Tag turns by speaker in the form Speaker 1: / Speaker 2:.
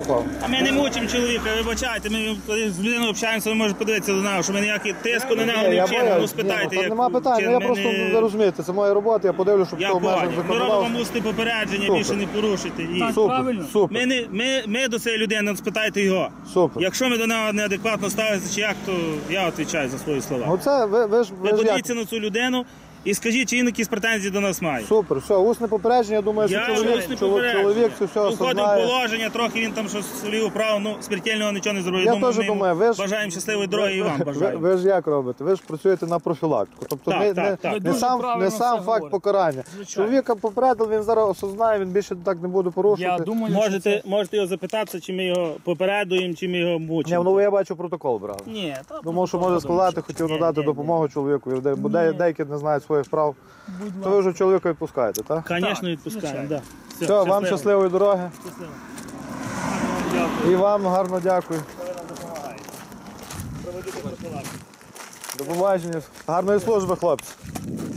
Speaker 1: А ми не мучимо чоловіка, вибачайте, ми коли з людиною общаємося, ви можете подивитися до нас, що ми ніякий тиску на нього не вчинимо, ну спитайте.
Speaker 2: Ні, нема питань, я просто, ви розумієте, це моя робота, я подивлюсь, щоб
Speaker 1: Я
Speaker 2: в межах
Speaker 1: понял. Ми
Speaker 2: законодавства.
Speaker 1: робимо мусити попередження, більше не порушити. І...
Speaker 2: Супер, супер.
Speaker 1: Ми до цієї людини, спитайте його.
Speaker 2: Супер.
Speaker 1: Якщо ми до нього неадекватно ставимося, чи як, то я відповідаю за свої слова.
Speaker 2: Ну це, ви ж
Speaker 1: Подивіться на цю людину і скажіть, чи він якісь претензії до нас має.
Speaker 2: Супер, все, усне попередження, я думаю, що чоловік це все
Speaker 1: Входив в
Speaker 2: осознає.
Speaker 1: положення, трохи він там щось свій управ, ну, смертельного нічого не зробив.
Speaker 2: Я
Speaker 1: Думаю,
Speaker 2: теж
Speaker 1: ми йому
Speaker 2: думаю, ви ж...
Speaker 1: бажаємо щасливої дороги і вам бажаємо.
Speaker 2: Ви ж як робите? Ви ж працюєте на профілактику. Тобто
Speaker 1: Так.
Speaker 2: не сам факт покарання. Чоловіка попередив, він зараз осознає, він більше так не буде порушувати.
Speaker 1: Можете його запитатися, чи ми його попередуємо, чи ми його
Speaker 2: Ні,
Speaker 1: мучимо.
Speaker 2: ну я бачу, протокол брали.
Speaker 1: Ні,
Speaker 2: Думав, що може складати, хотів надати допомогу чоловіку, бо деякі не знають своїх прав. То ви вже чоловіка відпускаєте, так?
Speaker 1: Звісно, відпускаємо, так.
Speaker 2: Все, вам щасливої дороги. І вам гарно дякую. До побачення. Гарної служби, хлопці.